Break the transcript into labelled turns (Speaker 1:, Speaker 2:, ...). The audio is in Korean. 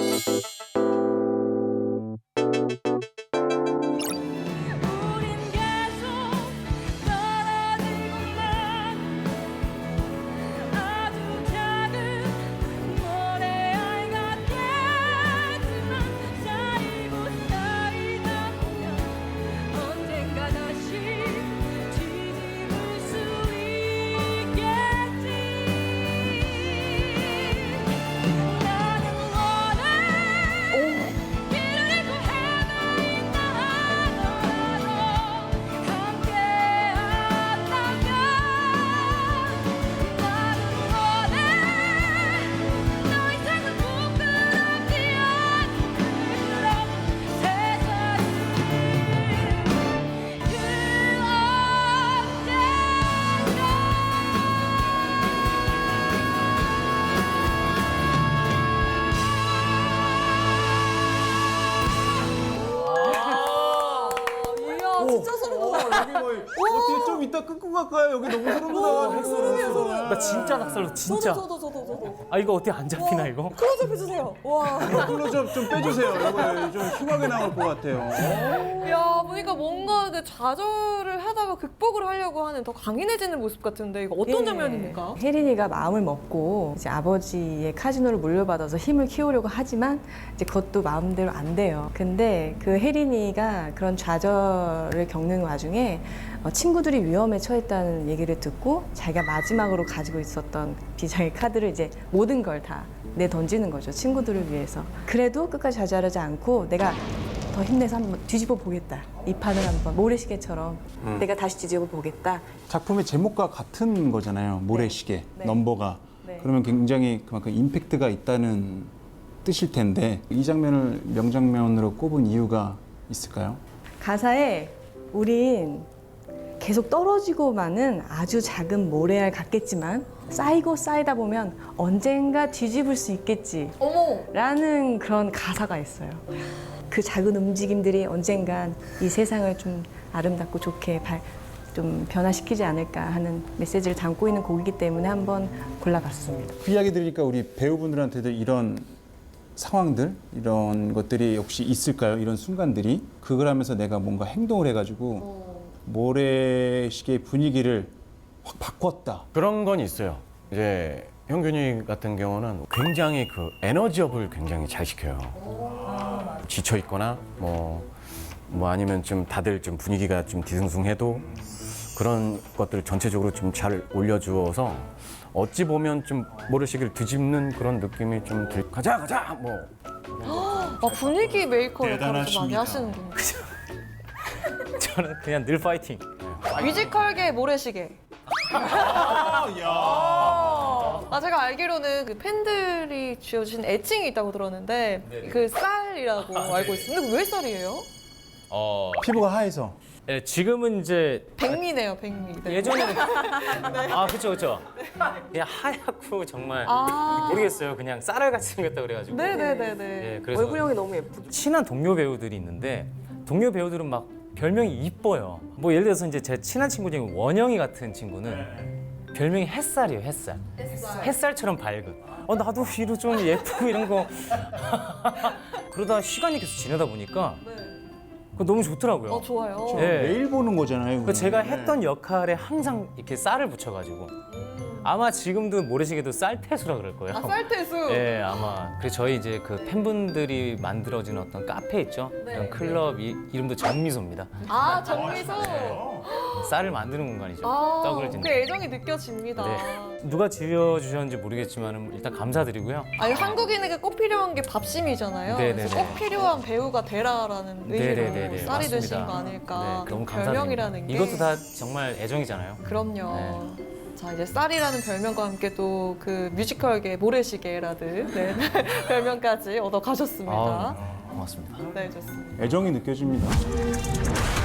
Speaker 1: 진짜 소름 돋아.
Speaker 2: 여기 뭐 어떻게 좀 이따 끊고 갈까요? 여기 너무 소름 돋아가지고.
Speaker 1: 소름이에요, 소름.
Speaker 3: 나 진짜 낙살로 진짜.
Speaker 1: 저도.
Speaker 3: 아 이거 어떻게 안 잡히나 이거?
Speaker 1: 클로즈업 해주세요. 와.
Speaker 2: 클로즈업 좀 빼주세요. 이거 좀 흉하게 나올 것 같아요.
Speaker 1: 야, 보니까 뭔가 그 좌절을 하다가 극복을 하려고 하는 더 강인해지는 모습 같은데 이거 어떤 장면입니까?
Speaker 4: 혜린이가 마음을 먹고 이제 아버지의 카지노를 물려받아서 힘을 키우려고 하지만 이제 그것도 마음대로 안 돼요. 근데 그 혜린이가 그런 좌절을 겪는 와중에 친구들이 위험에 처했다는 얘기를 듣고 자기가 마지막으로 가지고 있었던 비장의 카드를 이제 모든 걸 다 내던지는 거죠. 친구들을 위해서. 그래도 끝까지 좌절하지 않고 내가 더 힘내서 한번 뒤집어 보겠다. 이 판을 한번 모래시계처럼 내가 다시 뒤집어 보겠다.
Speaker 2: 작품의 제목과 같은 거잖아요. 모래시계,
Speaker 4: 네.
Speaker 2: 넘버가.
Speaker 4: 네.
Speaker 2: 그러면 굉장히 그만큼 임팩트가 있다는 뜻일 텐데 이 장면을 명장면으로 꼽은 이유가 있을까요?
Speaker 4: 가사에 우린 계속 떨어지고만은 아주 작은 모래알 같겠지만 쌓이고 쌓이다 보면 언젠가 뒤집을 수 있겠지
Speaker 1: 어머.
Speaker 4: 라는 그런 가사가 있어요. 그 작은 움직임들이 언젠간 이 세상을 좀 아름답고 좋게 좀 변화시키지 않을까 하는 메시지를 담고 있는 곡이기 때문에 한번 골라봤습니다.
Speaker 2: 그 이야기 들으니까 우리 배우분들한테도 이런 상황들, 이런 것들이 혹시 있을까요? 이런 순간들이 그걸 하면서 내가 뭔가 행동을 해가지고 모래시계의 분위기를 확 바꿨다.
Speaker 5: 그런 건 있어요. 이제 형균이 같은 경우는 굉장히 그 에너지업을 굉장히 잘 시켜요. 지쳐 있거나 뭐 아니면 좀 다들 좀 분위기가 좀 뒤숭숭해도 그런 것들을 전체적으로 좀 잘 올려주어서 어찌 보면 좀 모래시계를 뒤집는 그런 느낌이 좀 가자 뭐.
Speaker 1: 분위기 메이커 역할을 좀 많이
Speaker 2: 대단하십니다.
Speaker 1: 하시는군요.
Speaker 3: 저는 그냥 늘 파이팅.
Speaker 1: 뮤지컬계 모래시계. 제가 알기로는 그 팬들이 지어주신 애칭이 있다고 들었는데 그 쌀이라고 알고 있습니다. 근데 왜 쌀이에요?
Speaker 2: 피부가 하얘서.
Speaker 3: 예, 지금은 이제
Speaker 1: 백미네요, 백미. 네.
Speaker 3: 예전에는 아 그쵸. 그냥 하얗고 정말 모르겠어요. 그냥 쌀알같이 생겼다 그래가지고.
Speaker 1: 네네네네.
Speaker 3: 예, 그래서
Speaker 4: 얼굴형이 너무 예쁘죠.
Speaker 3: 친한 동료 배우들이 있는데 동료 배우들은 막 별명이 이뻐요. 뭐 예를 들어서 이제 제 친한 친구 중에 원영이 같은 친구는 별명이 햇살이에요. 햇살. 햇살처럼 밝은. 나도 위로 좀 예쁘고 이런 거. 그러다 시간이 계속 지나다 보니까 그거 너무 좋더라고요.
Speaker 1: 좋아요.
Speaker 3: 예.
Speaker 2: 매일 보는 거잖아요.
Speaker 3: 그 제가
Speaker 2: 그거는.
Speaker 3: 했던 역할에 항상 이렇게 쌀을 붙여가지고 아마 지금도 모래시계도 쌀태수라 그럴 거예요.
Speaker 1: 쌀태수.
Speaker 3: 예, 아마. 그래서 저희 이제 그 팬분들이 만들어진 어떤 카페 있죠? 그런 클럽 이름도 정미소입니다.
Speaker 1: 정미소.
Speaker 3: 쌀을 만드는 공간이죠. 떡을
Speaker 1: 그
Speaker 3: 짓는.
Speaker 1: 애정이 느껴집니다.
Speaker 3: 네. 누가 지어주셨는지 모르겠지만 일단 감사드리고요.
Speaker 1: 아니, 한국인에게 꼭 필요한 게 밥심이잖아요.
Speaker 3: 네네네.
Speaker 1: 그래서 꼭 필요한 배우가 되라라는
Speaker 3: 네네네네.
Speaker 1: 의미로 쌀이
Speaker 3: 맞습니다.
Speaker 1: 되신 거 아닐까.
Speaker 3: 네, 너무
Speaker 1: 그
Speaker 3: 감사드립니다.
Speaker 1: 별명이라는 게.
Speaker 3: 이것도 다 정말 애정이잖아요.
Speaker 1: 그럼요. 자, 이제 쌀이라는 별명과 함께 또 그 뮤지컬계 모래시계라는 별명까지 얻어 가셨습니다.
Speaker 3: 고맙습니다.
Speaker 1: 네, 좋습니다.
Speaker 2: 애정이 느껴집니다.